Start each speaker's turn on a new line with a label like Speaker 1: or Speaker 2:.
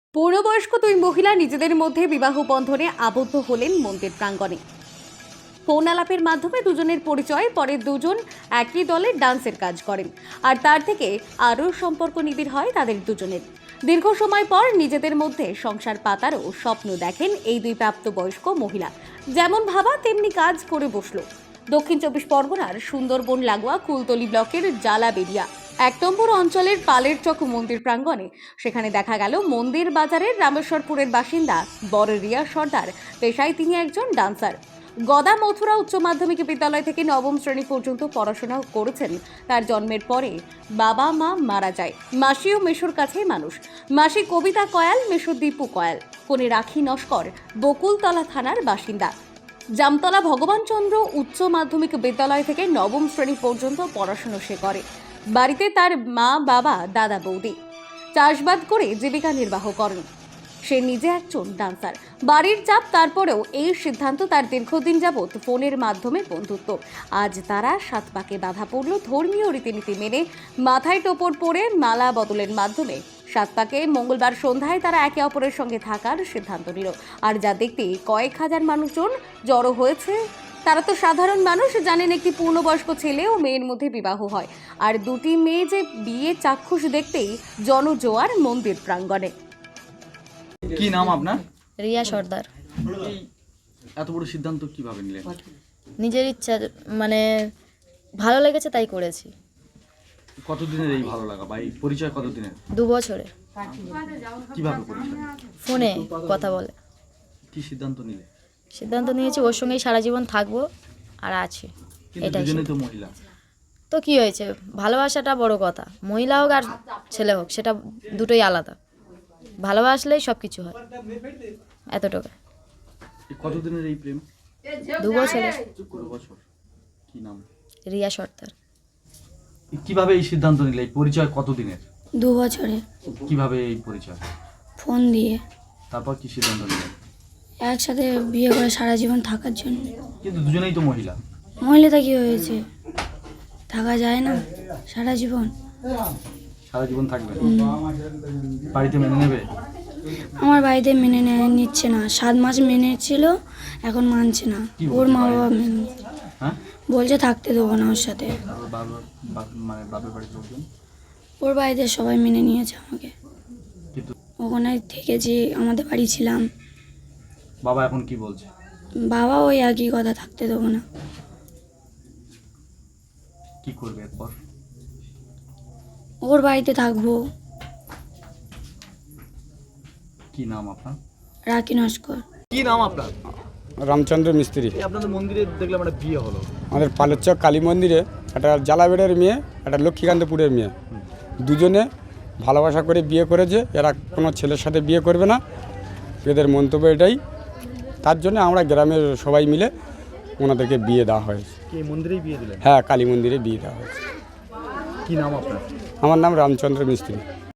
Speaker 1: পূর্ণবয়স্ক দুই মহিলা নিজেদের মধ্যে বিবাহ বন্ধনে আবদ্ধ হলেন মন্দির প্রাঙ্গণে। ফোন আলাপের মাধ্যমে দুজনের পরিচয়, পরে দুজন একই দলে ডান্সের কাজ করেন আর তার থেকে আরও সম্পর্ক নিবিড় হয় তাদের দুজনের। দীর্ঘ সময় পর নিজেদের মধ্যে সংসার পাতারও স্বপ্ন দেখেন এই দুই প্রাপ্তবয়স্ক মহিলা। যেমন ভাবা তেমনি কাজ করে বসলো। দক্ষিণ চব্বিশ পরগনার সুন্দরবন লাগোয়া কুলতলি ব্লকের জালাবেরিয়া ১ নম্বর অঞ্চলের পালের চক মন্দির প্রাঙ্গণে। সেখানে দেখা গেল মন্দির বাজারের রামেশ্বরপুরের বাসিন্দা বড় রিয়া সর্দার। পেশায় তিনি একজন ডান্সার। গদা মথুরা উচ্চ মাধ্যমিক বিদ্যালয় থেকে নবম শ্রেণী পর্যন্ত পড়াশোনা করেছেন। তার জন্মের পরে বাবা মা মারা যায়। মাসি ও মেশোর কাছেই মানুষ। মাসি কবিতা কয়াল, মেশো দীপু কয়াল। কোনে রাখি নস্কর বকুলতলা থানার বাসিন্দা। জামতলা ভগবানচন্দ্র উচ্চ মাধ্যমিক বিদ্যালয় থেকে নবম শ্রেণী পর্যন্ত পড়াশোনা সে করে। বাড়িতে তার মা, বাবা, দাদা, বৌদি চাষবাদ করে জীবিকা নির্বাহ করেন। সে নিজে একজন ডান্সার। বাড়ির চাপ তারপরেও এই সিদ্ধান্ত তার দীর্ঘদিন যাবৎ ফোনের মাধ্যমে বন্ধুত্ব। আজ তারা সাত পাকে বাধা পড়ল ধর্মীয় রীতিনীতি মেনে। মাথায় টোপর পরে মালা বদলের মাধ্যমে সাত পাকে মঙ্গলবার সন্ধ্যায় তারা একে অপরের সঙ্গে থাকার সিদ্ধান্ত নিল। আর যা দেখতে কয়েক হাজার মানুষজন জড়ো হয়েছে। তারা তো সাধারণ মানুষ, জানেন একটি পূর্ণবয়স্ক ছেলে ও মেয়ের মধ্যে বিবাহ হয়, আর দুটি মেয়ে যে বিয়ে চাক্ষুষ দেখতেই জনজোয়ার মন্দির প্রাঙ্গণে।
Speaker 2: কি নাম আপনার?
Speaker 3: রিয়া সর্দার।
Speaker 2: এই এত বড় সিদ্ধান্ত কিভাবে নিলেন?
Speaker 3: নিজের ইচ্ছা, মানে ভালো লেগেছে তাই করেছি।
Speaker 2: কতদিনের এই ভালো লাগা বা এই পরিচয় কতদিনের?
Speaker 3: 2 বছরে।
Speaker 2: কিভাবে পরিচয়?
Speaker 3: ফোনে কথা বলে।
Speaker 2: কি সিদ্ধান্ত নিলে?
Speaker 3: সিদ্ধান্ত নিয়েছি ওর সঙ্গেই সারা জীবন থাকবো আর আছি।
Speaker 2: কিন্তু
Speaker 3: এটাই
Speaker 2: দুজনেই তো মহিলা।
Speaker 3: তো কি হয়েছে, ভালোবাসাটা বড় কথা। মহিলা হোক আর ছেলে হোক, সেটা দুটোই আলাদা। ভালোবাসলেই সব কিছু হয়, এতটুকু।
Speaker 2: কতদিনের এই প্রেম?
Speaker 3: 2 বছরে।
Speaker 2: 2 বছর। কি নাম?
Speaker 3: রিয়া সর্দার।
Speaker 2: কিভাবে এই সিদ্ধান্ত নিলে? এই পরিচয় কতদিনের?
Speaker 4: 2 বছরে।
Speaker 2: কিভাবে এই পরিচয়?
Speaker 4: ফোন দিয়ে।
Speaker 2: তারপর কি সিদ্ধান্ত নিলেন?
Speaker 4: একসাথে বিয়ে করে সারা জীবন থাকার জন্য।
Speaker 2: কিন্তু দুজনেই তো মহিলা।
Speaker 4: মহিলাটা কি হয়েছে, থাকা যায় না সারা জীবন?
Speaker 2: সারা জীবন থাকবে? বাড়িতে মেনে নেবে?
Speaker 4: আমার বাড়িতে মেনে নিচ্ছে না। 7 মাস মেনে ছিল, এখন মানছে না।
Speaker 2: কি
Speaker 4: ওর
Speaker 2: বলছে
Speaker 4: মা
Speaker 2: বাড়িতে?
Speaker 4: বাবা মেনে
Speaker 2: হ্যাঁ,
Speaker 4: বলছে থাকতে দেবো না ওর সাথে।
Speaker 2: তারপর মানে বাপের বাড়ির লোকজন?
Speaker 4: ওর বাড়িতে সবাই মেনে নিয়েছে আমাকে।
Speaker 2: কিন্তু
Speaker 4: ওখানে থেকেছি, আমাদের বাড়ি ছিলাম।
Speaker 2: বাবা এখন কি বলছে?
Speaker 4: বাবা ওই একই কথা, থাকতে দেবো না।
Speaker 2: কি করবে এরপর?
Speaker 4: ওর বাড়িতে থাকবো।
Speaker 2: কি নাম আপনার?
Speaker 4: রাখি নস্কর।
Speaker 2: কি নাম আপনার?
Speaker 5: রামচন্দ্র মিস্ত্রি।
Speaker 2: এই আপনাদের মন্দিরে দেখলাম একটা বিয়ে হলো।
Speaker 5: আমাদের পালেরচক কালী মন্দিরে একটা জালাবেড়ের মেয়ে, একটা লক্ষ্মীকান্তপুরের মেয়ে, দুজনে ভালোবাসা করে বিয়ে করেছে। এরা কোনো ছেলের সাথে বিয়ে করবে না, এদের মন্তব্য এটাই। তার জন্য আমরা গ্রামের সবাই মিলে ওনাদেরকে বিয়ে দেওয়া হয়েছে।
Speaker 2: কি মন্দিরেই বিয়ে দিলেন?
Speaker 5: হ্যাঁ, কালী মন্দিরে বিয়ে দেওয়া হয়েছে।
Speaker 2: কি নাম আপনার?
Speaker 5: আমার নাম রামচন্দ্র মিস্ত্রি।